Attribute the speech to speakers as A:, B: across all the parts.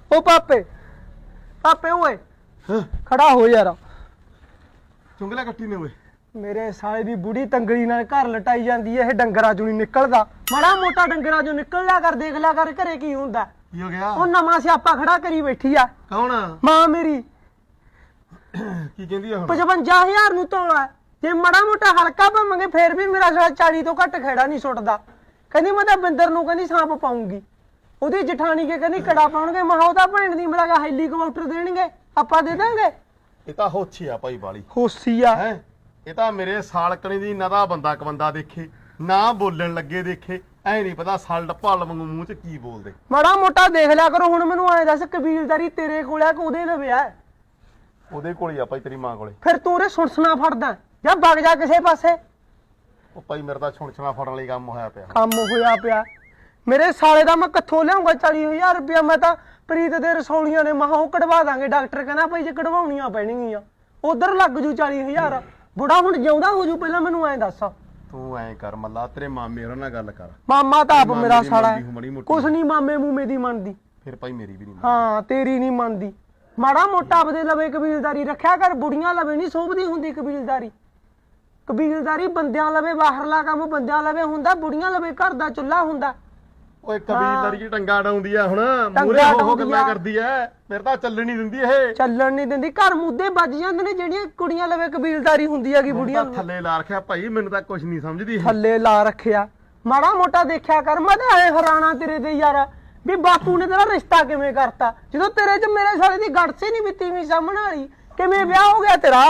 A: ओ पापे पापे ओए खड़ा हो यार।
B: चुंगला कट्टी ने ओए
A: मेरे साले दी बुढ़ी तंगड़ी नाल घर लटाई जांदी है। डंगरा चों नहीं निकलदा। माड़ा मोटा डंगरा चों निकल लिया कर, देख लिया कर घरे की हुंदा।
B: की हो गया?
A: ओ नवां सियापा खड़ा करी बैठी आ।
B: कौन?
A: मां मेरी।
B: की कहंदी है हुण?
A: 55,000 ਨੂੰ ਤੋਲਾ। ਜੇ ਮਾੜਾ ਮੋਟਾ ਹਲਕਾ ਪਾਵਾਂਗੇ ਫੇਰ ਵੀ ਮੇਰਾ ਸਾਲਾ 40 ਤੋਂ ਘੱਟ ਖੇੜਾ ਨਹੀਂ ਸੁੱਟਦਾ। ਕਹਿੰਦੀ ਮੈਂ ਤਾਂ ਬਿੰਦਰ ਨੂੰ ਕਹਿੰਦੀ ਸਾਂਪ ਪਾਉਂਗੀ। ਉਹਦੀ ਜਠਾਣੀ ਕੇ ਕਹਿੰਦੀ ਕੜਾ ਪਾਉਣਗੇ। ਮੈਂ ਉਹਦਾ ਭੈਣ ਦੀ ਮੇਰਾ ਹੈਲੀਕਾਪਟਰ ਦੇਣਗੇ, ਆਪਾਂ ਦੇ ਦਾਂਗੇ।
B: ਇਹ ਤਾਂ ਹੋਛੀ ਆ ਭਾਈ ਵਾਲੀ।
A: ਹੋਸੀ ਆ
B: ਹੈ ਇਹ ਤਾਂ ਮੇਰੇ ਸਾਲਕਣੀ ਦੀ ਨਦਾ ਬੰਦਾ ਕਬੰਦਾ ਦੇਖੇ ਨਾ ਬੋਲਣ ਲੱਗੇ ਦੇਖੇ ਐ ਨਹੀਂ ਪਤਾ ਸਲਡ ਭਲ ਵਾਂਗੂ ਮੂੰਹ ਚ ਕੀ ਬੋਲਦੇ।
A: ਮਾੜਾ ਮੋਟਾ ਦੇਖ ਲਿਆ ਕਰੋ। ਹੁਣ ਮੈਨੂੰ ਐ ਦੱਸ ਕਬੀਲਦਾਰੀ ਤੇਰੇ ਕੋਲ ਆ ਕਿ ਉਹਦੇ ਲਵੇ ਆ?
B: ਉਹਦੇ ਕੋਲ ਹੀ ਆ ਭਾਈ, ਤੇਰੀ ਮਾਂ ਕੋਲੇ।
A: ਫਿਰ ਤੂੰ ਉਹਦੇ ਸੁਣਸਣਾ ਫੜਦਾ ਜਾਂ ਵਗ ਜਾ ਕਿਸੇ ਪਾਸੇ।
B: ਉਹ ਭਾਈ ਮੇਰਾ ਤਾਂ ਛੁਣਛਣਾ ਫੜਨ ਲਈ ਕੰਮ ਹੋਇਆ ਪਿਆ।
A: ਕੰਮ ਹੋਇਆ ਪਿਆ ਮੇਰੇ ਸਾਲੇ ਦਾ। ਮੈਂ ਕਿੱਥੋਂ ਲਿਆਉਂਗਾ 40,000 ਰੁਪਇਆ? ਮੈਂ ਤਾਂ ਪ੍ਰੀਤ ਦੇ ਰਸੌਲੀਆਂ ਨੇ ਮਹਾ ਉਹ ਕਢਵਾ ਦਾਂਗੇ। ਡਾਕਟਰ ਕਹਿੰਦਾ ਭਾਈ ਜੇ ਕਢਵਾਉਣੀਆਂ ਪੈਣਗੀਆਂ ਉਧਰ ਲੱਗ ਜੂ 40,000। ਬੁੜਾ ਹੁਣ ਜਿਉਂਦਾ ਹੋ ਜੂ। ਪਹਿਲਾਂ ਮੈਨੂੰ ਐਂ ਦੱਸ।
B: ਤੂੰ ਐਂ ਕਰ ਮੱਲਾ, ਤੇਰੇ ਮਾਮੇ ਹੋਰਾਂ ਨਾਲ ਗੱਲ ਕਰ।
A: ਮਾਮਾ ਤਾਂ ਆਪ
B: ਮਾਮੇ
A: ਮੇਰਾ
B: ਦੀ
A: ਸਾਲਾ
B: ਮੰਨਦੀ ਹੂੰ ਮਾੜੀ ਮੋਟੀ।
A: ਕੁਛ ਨਹੀਂ ਮਾਮੇ ਮੂਮੇ ਦੀ ਮੰਨਦੀ।
B: ਫਿਰ ਭਾਈ ਮੇਰੀ ਵੀ ਨਹੀਂ
A: ਹਾਂ ਤੇਰੀ ਨਹੀਂ ਮੰਨਦੀ। ਮਾੜਾ ਮੋਟਾ ਆਪਦੇ ਲਵੇ ਕਬੀਲਦਾਰੀ ਰੱਖਿਆ ਕਰ। ਬੁੜੀਆਂ ਲਵੇ ਨਹੀਂ ਸੋਭਦੀ ਹੁੰਦੀ ਕਬੀਲਦਾਰੀ। ਕਬੀਲਦਾਰੀ ਬੰਦਿਆਂ ਲਵੇ ਬਾਹਰਲਾ ਕੰਮ ਬੰਦਿਆਂ ਲਵੇ ਹੁੰਦਾ। ਬੁੜੀਆਂ ਲਵੇ ਘਰ ਦਾ ਚੁੱਲ੍ਹਾ ਹੁੰਦਾ।
B: ਓਏ ਕਬੀਲਦਾਰੀ ਚ ਟੰਗਾ ਡਾਉਂਦੀ ਆ ਹੁਣ।
A: ਟੰਗਾ
B: ਮੂਰੇ ਹੋ
A: ਡਾਉਂਦੀ
B: ਗੱਲਾਂ
A: ਆ।
B: ਕਰਦੀ ਐ। ਮੇਰੇ ਤਾਂ ਚੱਲਣ ਨਹੀਂ ਦਿੰਦੀ ਇਹ।
A: ਚੱਲਣ ਨਹੀਂ ਦਿੰਦੀ। ਘਰ ਮੁੱਦੇ ਵੱਜ ਜਾਂਦੇ ਨੇ ਜਿਹੜੀਆਂ ਕੁੜੀਆਂ ਲਵੇ ਕਬੀਲਦਾਰੀ ਹੁੰਦੀ ਹੈਗੀ।
B: ਹੁਣ
A: ਬੁੜੀਆਂ
B: ਤਾਂ ਥੱਲੇ ਲਾ ਰੱਖਿਆ ਭਾਈ, ਮੈਨੂੰ ਤਾਂ ਕੁਝ ਨਹੀਂ ਸਮਝਦੀ ਇਹ।
A: ਥੱਲੇ ਲਾ ਰੱਖਿਆ। ਮਾੜਾ ਮੋਟਾ ਦੇਖਿਆ ਕਰ। ਮੈਂ ਤਾਂ ਐ ਹੈਰਾਨਾ ਤੇਰੇ ਤੇ ਯਾਰ ਵੀ ਬਾਪੂ ਨੇ ਤੇਰਾ ਰਿਸ਼ਤਾ ਕਿਵੇਂ ਕਰਤਾ ਜਦੋਂ ਤੇਰੇ ਚ ਮੇਰੇ ਸਾਲੇ ਦੀ ਗੜਸੇ ਨਹੀਂ ਬਿੱਤੀ ਵੀ ਸਾਹਮਣੇ ਵਾਲੀ। ਕਿਵੇਂ ਵਿਆਹ ਹੋ ਗਿਆ ਤੇਰਾ?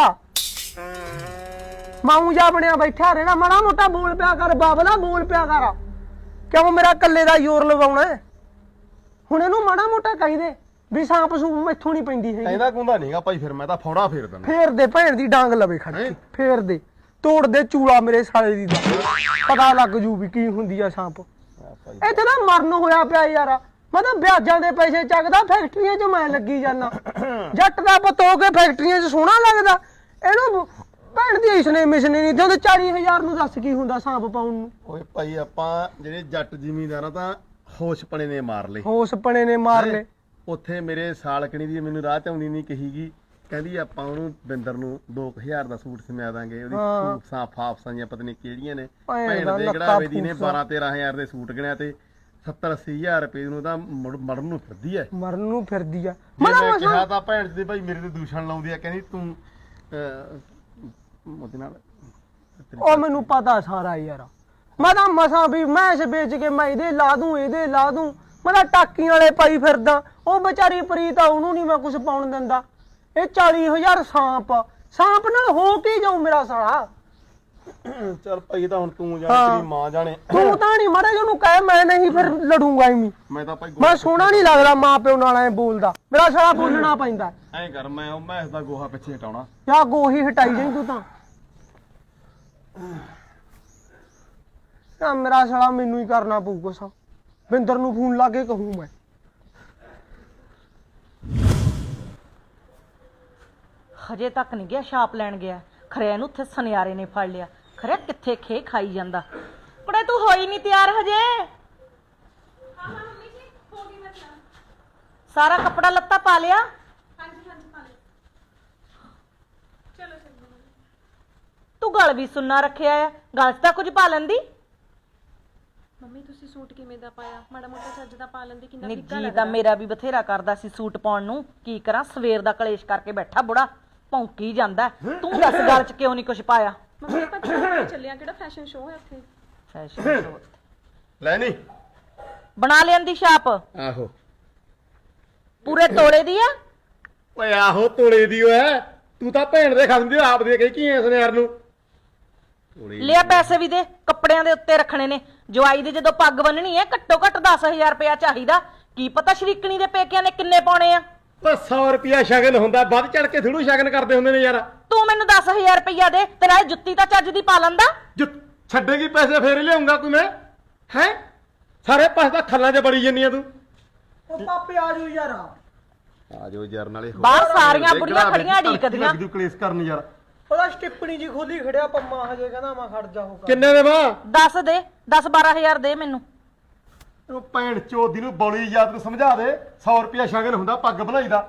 A: ਮਾਊ ਜਾ ਬਣਿਆ ਬੈਠਾ ਰਹਿਣਾ। ਮਾੜਾ ਮੋਟਾ ਬੋਲ ਪਿਆ ਕਰ ਬਾਬਲਾ, ਬੋਲ ਪਿਆ ਕਰ। ਕਿਉਂ ਮੇਰਾ ਕੱਲੇ ਦਾ ਜ਼ੋਰ ਲਵਾਉਣਾ? ਹੁਣ ਇਹਨੂੰ ਮਾੜਾ ਮੋਟਾ ਕਹੀ ਦੇ ਵੀ ਸਾਂਪ ਸੂਪ ਮੈਥੋਂ ਨਹੀਂ ਪੈਂਦੀ ਹੈਗੀ।
B: ਕਹਿੰਦਾ ਕੁੰਦਾ ਨਹੀਂਗਾ ਭਾਈ। ਫਿਰ ਮੈਂ ਤਾਂ ਫੌੜਾ ਫੇਰ ਦਿੰਦਾ।
A: ਫੇਰ ਦੇ ਭੈਣ ਦੀ ਡਾਂਗ ਲਵੇ ਖੜ ਕੇ। ਫੇਰ ਦੇ ਤੋੜ ਦੇ ਚੂਲਾ ਮੇਰੇ ਸਾਲੇ ਦੀ ਦਾ। ਪਤਾ ਲੱਗ ਜੂ ਵੀ ਕੀ ਹੁੰਦੀ ਆ ਸਾਂਪ। ਇੱਥੇ ਤਾਂ ਮਰਨ ਹੋਇਆ ਪਿਆ ਯਾਰ। ਮੈਂ ਤਾਂ ਵਿਆਜਾਂ ਦੇ ਪੈਸੇ ਚੱਕਦਾ, ਫੈਕਟਰੀਆਂ 'ਚ ਮੈਂ ਲੱਗੀ ਜਾਨਾ। ਜੱਟ ਦਾ ਪੁੱਤ ਹੋ ਕੇ ਫੈਕਟਰੀਆਂ 'ਚ ਸੋਹਣਾ ਲੱਗਦਾ। ਇਹਨੂੰ ਭੈਣ ਦੀ ਇਸਨੇ ਮਿਸਨੇ ਨਹੀਂ ਦਿੰਦੇ। 40,000 ਨੂੰ ਦੱਸ ਕੀ ਹੁੰਦਾ ਸਾਂਪ ਪਾਉਣ ਨੂੰ?
B: ਓਏ ਭਾਈ ਆਪਾਂ ਜਿਹੜੇ ਜੱਟ ਜ਼ਿਮੀਂਦਾਰਾਂ ਤਾਂ ਹੋਸ਼ਪਣੇ ਨੇ ਮਾਰ ਲਏ।
A: ਹੋਸਪਣੇ ਨੇ ਮਾਰ ਲਏ।
B: ਉੱਥੇ ਮੇਰੇ ਸਾਲਕਣੀ ਦੀ ਮੈਨੂੰ ਰਾਹ ਚ ਆਉਂਦੀ ਨਹੀਂ ਕਹੀਗੀ। ਕਹਿੰਦੀ ਆਪਾਂ ਉਹਨੂੰ ਬਿੰਦਰ ਨੂੰ 2,000 ਦਾ ਸੂਟ ਸਮਿਆ ਦਾਂਗੇ। ਉਹਦੀ ਫੂਫਸਾਂ ਫਾਫਸਾਂ ਜਾਂ ਪਤਾ ਨਹੀਂ ਕਿਹੜੀਆਂ ਨੇ। ਭੈਣ ਦੇ ਗੜਾਵੇ ਦੀ ਨੇ 12-13,000 ਦੇ ਸੂਟ ਗਿਣਿਆ ਤੇ 70-80,000 ਰੁਪਏ ਨੂੰ ਤਾਂ ਮਰਨ ਨੂੰ ਫਿਰਦੀ ਐ।
A: ਮਰਨ ਨੂੰ ਫਿਰਦੀ ਆ।
B: ਮੈਂ ਕਿਹਾ ਤਾਂ ਭੈਣ ਦੀ ਭਾਈ ਮੇਰੇ ਤੇ ਦੂਸ਼ਣ ਲਾਉਂਦੀ ਆ। ਕਹਿੰਦੀ ਤੂੰ ਉਹਦੇ ਨਾਲ।
A: ਉਹ ਮੈਨੂੰ ਪਤਾ ਸਾਰਾ ਯਾਰ। ਮੈਂ ਤਾਂ ਮਸਾਂ ਵੀ ਮੈਸ ਵੇਚ ਕੇ ਮੈਂ ਇਹਦੇ ਲਾ ਦੂੰ ਇਹਦੇ ਲਾ ਦੂੰ। ਮੈਂ ਤਾਂ ਟਾਕੀਆਂ ਵਾਲੇ ਪਾਈ ਫਿਰਦਾ। ਉਹ ਵਿਚਾਰੀ ਪ੍ਰੀਤ ਆ, ਉਹਨੂੰ ਨਹੀਂ ਮੈਂ ਕੁਝ ਪਾਉਣ ਦਿੰਦਾ। ਇਹ 40,000 ਸਾਂਪ ਨਾਲ ਹੋ ਕੀ ਜਾਊ ਮੇਰਾ ਸਾਲਾ?
B: ਚੱਲ ਭਾਈ ਤਾਂ ਹੁਣ ਤੂੰ ਜਾਣੇ, ਤੇਰੀ ਮਾਂ ਜਾਣੇ।
A: ਤੂੰ ਤਾਂ ਨਹੀਂ ਮਾੜਾ ਜਿਹਨੂੰ ਕਹਿ ਮੈਂ ਨਹੀਂ ਫਿਰ ਲੜੂੰਗਾ ਐਵੇਂ।
B: ਮੈਂ ਤਾਂ ਭਾਈ
A: ਮੈਂ ਸੋਹਣਾ ਨਹੀਂ ਲੱਗਦਾ ਮਾਂ ਪਿਓ ਨਾਲ ਐ ਬੋਲਦਾ। ਮੇਰਾ ਸਾਲਾ ਬੋਲਣਾ ਪੈਂਦਾ।
B: ਐਂ ਕਰ ਮੈਂ ਉਹ ਮੈਸ ਦਾ ਗੋਹਾ ਪਿੱਛੇ ਹਟਾਉਣਾ।
A: ਯਾ ਗੋਹੀ ਹਟਾਈ ਜਾਈਂ ਤੂੰ ਤਾਂ। ਮੇਰਾ ਸਾਲਾ ਮੈਨੂੰ ਹੀ ਕਰਨਾ ਪਊ ਕੁਛ। ਬਿੰਦਰ ਨੂੰ ਫੋਨ ਲਾ ਕੇ ਕਹੂੰ ਮੈਂ।
C: ਹਜੇ ਤੱਕ ਨਹੀਂ ਗਿਆ ਛਾਪ ਲੈਣ ਗਿਆ। ਖਰੇ ਇਹਨੂੰ ਉੱਥੇ ਸੁਨਿਆਰੇ ਨੇ ਫੜ ਲਿਆ। ਖਰੇ ਕਿੱਥੇ ਖੇ ਖਾਈ ਜਾਂਦਾ। ਕੁੜੇ ਤੂੰ ਹੋਈ ਨਹੀਂ ਤਿਆਰ ਹਜੇ? ਹਾਂ ਮੰਮੀ ਜੀ ਹੋ ਗਈ ਮੈਂ ਤਿਆਰ। ਸਾਰਾ ਕੱਪੜਾ ਲੱਤਾ ਪਾ ਲਿਆ? ਹਾਂਜੀ ਹਾਂਜੀ ਪਾ ਲਿਆ। ਚਲੋ ਚਲੋ। ਤੂੰ ਗਲ ਵੀ ਸੁੰਨਾ ਰੱਖਿਆ ਆ। ਗਲ 'ਚ ਤਾਂ ਕੁਝ ਪਾ ਲੈਂਦੀ।
D: ਮੰਮੀ ਤੁਸੀਂ ਸੂਟ ਕਿਵੇਂ ਦਾ ਪਾਇਆ? ਮਾੜਾ ਮੋਟਾ ਚੱਜ ਦਾ ਪਾ ਲੈਂਦੇ ਕਿੰਨਾ
C: ਨਿੱਜੀ
D: ਫਿੱਕਾ
C: ਤਾਂ
D: ਲੱਗਦਾ।
C: ਮੇਰਾ ਵੀ ਬਥੇਰਾ ਕਰਦਾ ਸੀ ਸੂਟ ਪਾਉਣ ਨੂੰ। ਕੀ ਕਰਾਂ, ਸਵੇਰ ਦਾ ਕਲੇਸ਼ ਕਰਕੇ ਬੈਠਾ ਬੁੜਾ ਭੌਂਕੀ ਜਾਂਦਾ। ਤੂੰ ਦੱਸ ਗਲ 'ਚ ਕਿਉਂ ਨਹੀਂ ਕੁਝ ਪਾਇਆ?
D: ਮੰਮੀ ਆਪਾਂ ਸ਼ੋਅ ਚੱਲਿਆ। ਕਿਹੜਾ ਫੈਸ਼ਨ ਸ਼ੋਅ ਹੈ ਉੱਥੇ?
C: ਫੈਸ਼ਨ ਸ਼ੋਅ
B: ਲੈ ਨਹੀਂ
C: ਬਣਾ ਲਿਆਂਦੀ ਛਾਪ।
B: ਆਹੋ
C: ਪੂਰੇ ਤੋਲੇ ਦੀ ਆ।
B: ਓਏ ਆਹੋ ਤੋੜੇ ਦੀ ਓਏ। ਤੂੰ ਤਾਂ ਭੈਣ ਦੇ ਖਸਮ ਦੀ ਆਪ ਦੇ ਕੇ ਕੀ ਐ ਸੁਨਿਆਰ ਨੂੰ।
C: ਲਿਆ ਪੈਸੇ ਵੀ ਦੇ। ਕੱਪੜਿਆਂ ਦੇ ਉੱਤੇ ਰੱਖਣੇ ਨੇ। ਜਵਾਈ ਦੀ ਜਦੋਂ ਪੱਗ ਬੰਨਣੀ ਹੈ ਘੱਟੋ ਘੱਟ 10,000 ਰੁਪਇਆ ਚਾਹੀਦਾ। ਕੀ ਪਤਾ ਸ਼ਰੀਕਣੀ ਦੇ ਪੇਕਿਆਂ ਨੇ ਕਿੰਨੇ ਪਾਉਣੇ ਆ।
B: ਓ 100 ਰੁਪਿਆ ਸ਼ਗਨ ਹੁੰਦਾ। ਵੱਧ ਚੜ ਕੇ ਥੋੜੂ ਸ਼ਗਨ ਕਰਦੇ ਹੁੰਦੇ ਨੇ ਯਾਰ।
C: ਤੂੰ ਮੈਨੂੰ 10,000 ਰੁਪਇਆ ਦੇ। ਤੇਰਾ ਜੁੱਤੀ ਤਾਂ ਚੱਜ ਦੀ ਪਾ ਲੈਂਦਾ।
B: ਛੱਡੇਗੀ ਪੈਸੇ ਫੇਰ ਲਿਆਉਂਗਾ ਕੋਈ ਮੈਂ। ਹੈ ਸਾਰੇ ਪਾਸੇ ਤਾਂ ਖੱਲਾਂ 'ਚ ਬੜੀ ਜੰਨੀ ਆ ਤੂੰ।
A: ਉਹ ਪਾਪੇ ਆ ਜਾਓ ਯਾਰ।
B: ਆ ਜਾਓ ਯਾਰ ਨਾਲੇ
C: ਬਾਹਰ ਸਾਰੀਆਂ ਬੁੜੀਆਂ ਖੜੀਆਂ ਢੀਕਦੀਆਂ।
B: ਤੂੰ ਕਲੇਸ਼ ਕਰਨ ਯਾਰ।
A: ਉਹਦਾ ਸਟਿੱਪਣੀ ਜੀ ਖੋਲੀ ਖੜਿਆ ਪੰਮਾ। ਹਜੇ ਕਹਿੰਦਾ ਮੈਂ ਖੜ ਜਾ।
B: ਕਿੰਨੇ ਦੇ ਵਾ?
C: 10 ਦੇ 10-12,000 ਦੇ ਮੈਨੂੰ।
B: ਉਹ ਭੈਣ ਚੋਦੀ ਨੂੰ ਬੋਲੀ ਯਾਦ ਨੂੰ ਸਮਝਾ ਦੇ 100 ਰੁਪਿਆ ਸ਼ਗਨ ਹੁੰਦਾ ਪੱਗ ਬਣਾਈ ਦਾ।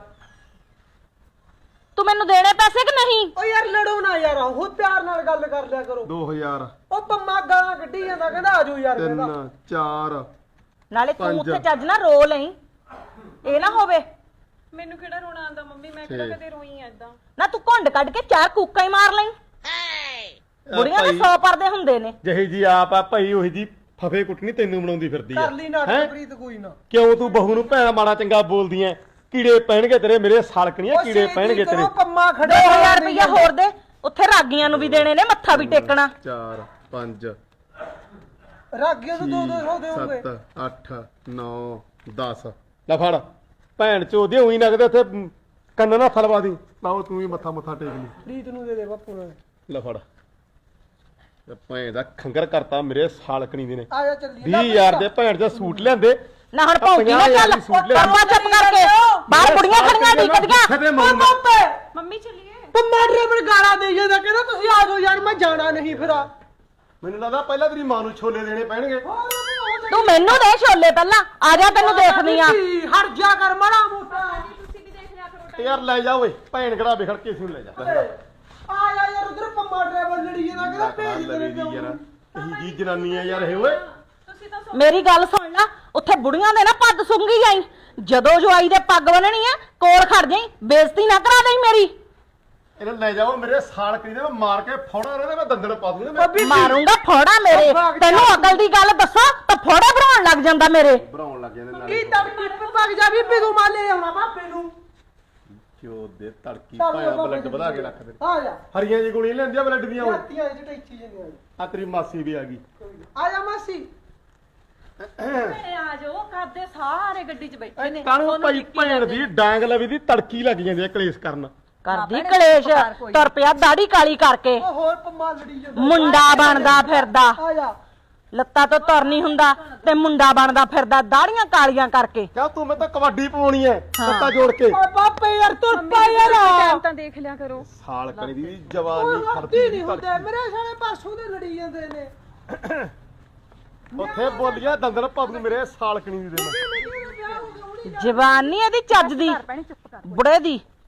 C: ਤੂੰ ਮੈਨੂੰ ਦੇਣੇ ਪੈਸੇ ਕਿ ਨਹੀਂ?
A: ਓ ਯਾਰ ਲੜੋ ਨਾ ਯਾਰ, ਉਹ ਪਿਆਰ ਨਾਲ ਗੱਲ ਕਰ ਲਿਆ ਕਰੋ।
B: 2000
A: ਉਹ ਪੰਮਾ ਗਾਲਾਂ ਕੱਢੀ ਜਾਂਦਾ, ਕਹਿੰਦਾ ਆਜੋ ਯਾਰ,
B: 3
A: ਕਹਿੰਦਾ
B: 4
C: ਨਾਲੇ ਤੂੰ
B: 5
C: ਉੱਥੇ ਚੱਜ ਨਾ ਰੋ ਲਈ, ਇਹ ਨਾ ਹੋਵੇ।
D: ਮੈਨੂੰ ਕਿਹੜਾ ਰੋਣਾ ਆਉਂਦਾ ਮੰਮੀ, ਮੈਂ ਕਿਹੜਾ ਕਦੇ ਰੋਈ ਐ ਏਦਾਂ।
C: ਨਾ ਤੂੰ ਘੁੰਡ ਕੱਢ ਕੇ 4 ਕੂਕਾਂ ਹੀ ਮਾਰ ਲਈ। ਬੁੜੀਆਂ ਦੇ 100 ਪਰਦੇ ਹੁੰਦੇ ਨੇ।
B: ਜਿਹੀ ਜੀ ਆਪ ਆ ਭਾਈ ਉਹੀ ਜੀ ਫਫੇ ਕੁੱਟਣੀ ਤੈਨੂੰ ਬਣਾਉਂਦੀ ਫਿਰਦੀ ਆ।
A: ਕਰ ਲਈ ਨਾਟਕ ਪ੍ਰੀਤ ਕੋਈ ਨਾ।
B: ਕਿਉਂ ਤੂੰ ਬਹੂ ਨੂੰ ਭੈਣਾ ਮਾੜਾ ਚੰਗਾ ਬੋਲਦੀ ਐ? ਕੀੜੇ ਪੈਣਗੇ ਤੇਰੇ, ਮੇਰੇ ਸਾਲਕਣੀਆਂ ਕੀੜੇ ਪੈਣਗੇ ਤੇਰੇ।
A: ਪੰਮਾ ਖੜੇ
C: 2000 ਰੁਪਇਆ ਹੋਰ ਦੇ, ਉੱਥੇ ਰਾਗੀਆਂ ਨੂੰ ਵੀ ਦੇਣੇ ਨੇ, ਮੱਥਾ ਵੀ ਟੇਕਣਾ।
B: 4 5
A: ਰਾਗੀਆਂ ਤੋਂ 200 ਦੇਉਂਗੇ।
B: 7 8 9 10 ਲੈ ਫੜ ਭੈਣ ਚੋਦੀ ਉਹੀ ਨਗਦੇ ਉੱਥੇ ਕੰਨਾਂ ਨਾਲ ਫਲਵਾ ਦੀ। ਲਾਓ ਤੂੰ ਵੀ ਮੱਥਾ ਟੇਕ ਲਈ।
A: ਪ੍ਰੀਤ ਨੂੰ ਦੇ ਦੇ ਬਾਪੂ ਨੇ।
B: ਲੈ ਫੜ ਤੇ ਭੈਣ ਦਾ ਖੰਗਰ ਕਰਤਾ ਮੇਰੇ ਸਾਲਕਣੀ ਦੇ ਨੇ।
A: ਆ ਜਾ ਚੱਲੀਏ।
B: 20000 ਦੇ ਭੈਣ ਦੇ ਸੂਟ ਲਿਆਂਦੇ।
C: ਨਾ ਹੁਣ ਭੌਂਕੀ ਨਾ ਚੱਲ, ਪਰਵਾ ਚੁੱਪ ਕਰਕੇ। ਬਾਹਰ ਕੁੜੀਆਂ ਖੜੀਆਂ ਢੀਕਦੀਆਂ।
D: ਮੰਮੀ ਚੱਲੀਏ।
A: ਪੰਮਾ ਡਰਾਈਵਰ ਗਾਲਾਂ ਦੇ ਜਾਂਦਾ, ਕਹਿੰਦਾ ਤੁਸੀਂ ਆ ਜਾਓ ਯਾਰ, ਮੈਂ ਜਾਣਾ ਨਹੀਂ ਫਿਰ।
B: ਮੈਨੂੰ ਲੱਗਦਾ ਪਹਿਲਾਂ ਤੇਰੀ ਮਾਂ ਨੂੰ ਛੋਲੇ ਦੇਣੇ ਪੈਣਗੇ।
C: ਤੂੰ ਮੈਨੂੰ ਦੇ ਛੋਲੇ ਪਹਿਲਾਂ, ਆ ਜਾ ਤੈਨੂੰ ਦੇਖਦੀ ਆ।
A: ਹਟ ਜਾ ਕਰ ਮਾੜਾ ਮੋਟਾ।
D: ਤੁਸੀਂ ਵੀ ਦੇਖ ਲਿਆ ਕਰੋ।
B: ਯਾਰ ਲੈ ਜਾ ਓਏ, ਭੈਣ ਕਿਹੜਾ ਵਿਖੜ ਕੇ ਇਸ ਨੂੰ ਲੈ ਜਾ।
A: ਆ ਜਾ ਯਾਰ, ਉਧਰ ਪੰਮਾ ਡਰਾਈਵਰ ਲੜੀ ਜਾਂਦਾ, ਕਹਿੰਦਾ ਭੇਜ ਦੇ
B: ਯਾਰ ਕਹੀ ਜੀ ਜਨਾਨੀ ਆ ਯਾਰ ਇਹ ਓਏ।
D: ਤੁਸੀਂ ਤਾਂ
C: ਮੇਰੀ ਗੱਲ ਸੁਣ ਲੈ, ਉੱਥੇ ਬੁੜੀਆਂ ਦੇ ਨਾ ਪੱਗ ਸੁੰਗੀ ਜਾਈ। ਜਦੋਂ ਜਵਾਈ ਦੇ ਪੱਗ ਬੰਨਣੀ ਆ, ਕੋਲ ਖੜ ਜਾਈ, ਬੇਇੱਜ਼ਤੀ ਨਾ ਕਰਾ ਦੇਈ ਮੇਰੀ।
B: ਇਹਨੂੰ ਲੈ ਜਾਓ, ਮੇਰੇ ਸਾਲਕਣੀ ਦੇ ਮੈਂ ਮਾਰ ਕੇ ਫੋੜਾ ਉਹਦੇ ਮੈਂ ਦੰਦਲ ਪਾ ਦੂੰਗਾ।
C: ਮਾਰੂੰਗਾ ਫੋੜਾ ਮੇਰੇ। ਤੈਨੂੰ ਅਕਲ ਦੀ ਗੱਲ ਦੱਸਾਂ ਤਾਂ ਫੋੜਾ ਭਰਾਉਣ ਲੱਗ ਜਾਂਦਾ ਮੇਰੇ।
B: ਭਰਾਉਣ ਲੱਗ ਜਾਂਦੇ ਨਾਲ
A: ਕੀ ਤੜਕੀ ਪੱਗ ਜਾ ਵੀ ਤੂੰ ਮਾਲੇ ਆਉਣਾ ਬਾਪੇ ਨੂੰ।
B: ਕਿਉਂ ਦੇ ਤੜਕੀ ਭਾਇਆ ਬਲੱਡ ਵਧਾ ਕੇ ਰੱਖ ਦੇ।
A: ਆ ਜਾ।
B: ਹਰੀਆਂ ਜੀ ਗੋਲੀਆਂ ਲੈਂਦੀਆਂ ਬਲੱਡ ਦੀਆਂ ਓਏ।
A: ਰਾਤੀਆਂ ਇਹ ਟੈਚੀ ਜਾਂਦੀਆਂ।
B: ਆ ਤੇਰੀ ਮਾਸੀ ਵੀ ਆ ਗਈ।
A: ਆ ਜਾ ਮਾਸੀ।
D: ਆ ਜਾਓ, ਕਰਦੇ ਸਾਰੇ ਗੱਡੀ 'ਚ ਬੈਠੇ ਨੇ।
B: ਕਾਹਨੂੰ ਭਾਈ ਭੈਣ ਦੀ ਡਾਂਗ ਲਵੀ ਦੀ ਤੜਕੀ ਲੱਗ ਜਾਂਦੀ ਆ ਕਲੇਸ਼ ਕਰਨ।
C: ਕਰਦੀ ਕਲੇਸ਼, ਤੁਰ ਪਿਆ ਦਾੜੀ ਕਾਲੀ ਕਰਕੇ,
A: ਉਹ ਹੋਰ ਪੰਮਾ ਲੜੀ ਜਾਂਦਾ।
C: ਮੁੰਡਾ ਬਣਦਾ ਫਿਰਦਾ।
A: ਆ ਜਾ।
C: ਲੱਤਾਂ ਤੋਂ ਤੁਰ ਨਹੀਂ ਹੁੰਦਾ ਤੇ ਮੁੰਡਾ ਬਣਦਾ ਫਿਰਦਾ ਦਾੜੀਆਂ ਕਾਲੀਆਂ ਕਰਕੇ।
B: ਕਿਆ ਤੂੰ ਮੈਂ ਤਾਂ ਕਬੱਡੀ ਪਾਉਣੀ ਐ ਲੱਤਾਂ ਜੋੜ ਕੇ।
A: ਓਏ ਬਾਪੇ ਯਾਰ ਤੁਰ ਪਾ ਯਾਰ।
D: ਟਾਈਮ ਤਾਂ ਦੇਖ ਲਿਆ ਕਰੋ।
B: ਸਾਲਕਣੀ ਦੀ ਜਵਾਨੀ
A: ਹੱਥੀ
B: ਖੜਦੀ
A: ਨਹੀਂ ਹੁੰਦੇ ਮੇਰੇ ਸਾਲੇ ਪਾਸੋਂ ਦੇ ਲੜੀ ਜਾਂਦੇ ਨੇ।
B: ਉੱਥੇ ਬੋਲੀਆਂ ਦੰਦਲ ਪਾ ਦੂੰ ਮੇਰੇ ਸਾਲਕਣੀ ਦੀ ਦੇ ਮੈਂ।
C: ਜਵਾਨੀ ਇਹਦੀ ਚੱਜ ਦੀ, ਬੁੜੇ ਦੀ।